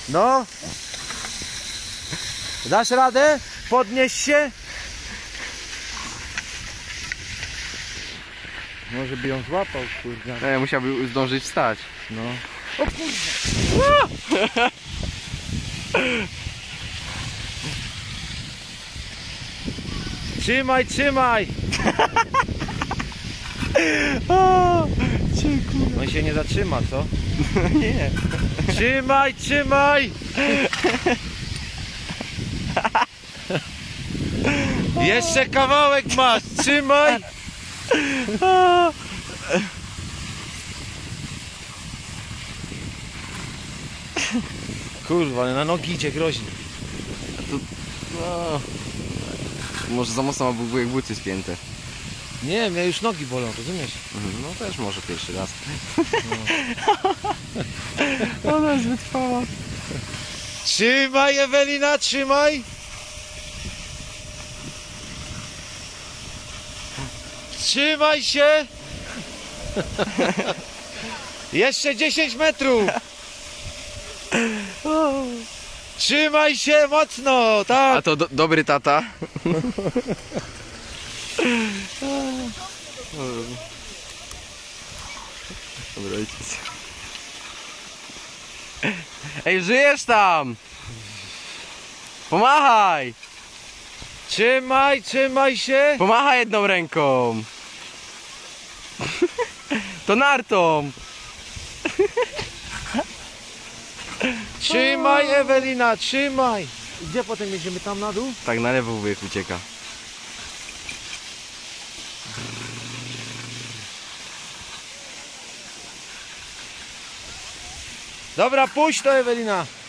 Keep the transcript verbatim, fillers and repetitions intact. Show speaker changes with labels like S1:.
S1: No. Dasz radę? Podnieś się. Może by ją złapał, kurde.
S2: Nie, musiałby zdążyć wstać.
S1: No. O kurwa. Trzymaj, trzymaj.
S2: O, dziękuję.
S1: On się nie zatrzyma, co?
S2: Nie.
S1: Trzymaj, trzymaj. Jeszcze kawałek masz, trzymaj. Kurwa, ale na nogi idzie groźnie.
S2: To, no, może za mocno ma jak buty spięte.
S1: Nie, mnie już nogi bolą, rozumiesz?
S2: Mhm, no też może pierwszy raz. No. Ona jest wytrwała.
S1: Trzymaj, Ewelina, trzymaj. Trzymaj się. Jeszcze dziesięć metrów. Trzymaj się mocno, tak.
S2: A to do, dobry tata. Dobry ojciec. Ej, żyjesz tam! Pomachaj!
S1: Trzymaj, trzymaj się.
S2: Pomachaj jedną ręką! To nartą!
S1: Trzymaj, Ewelina, trzymaj. Gdzie potem jedziemy, tam na dół?
S2: Tak na lewo wujek ucieka.
S1: Dobra, puść to, Ewelina.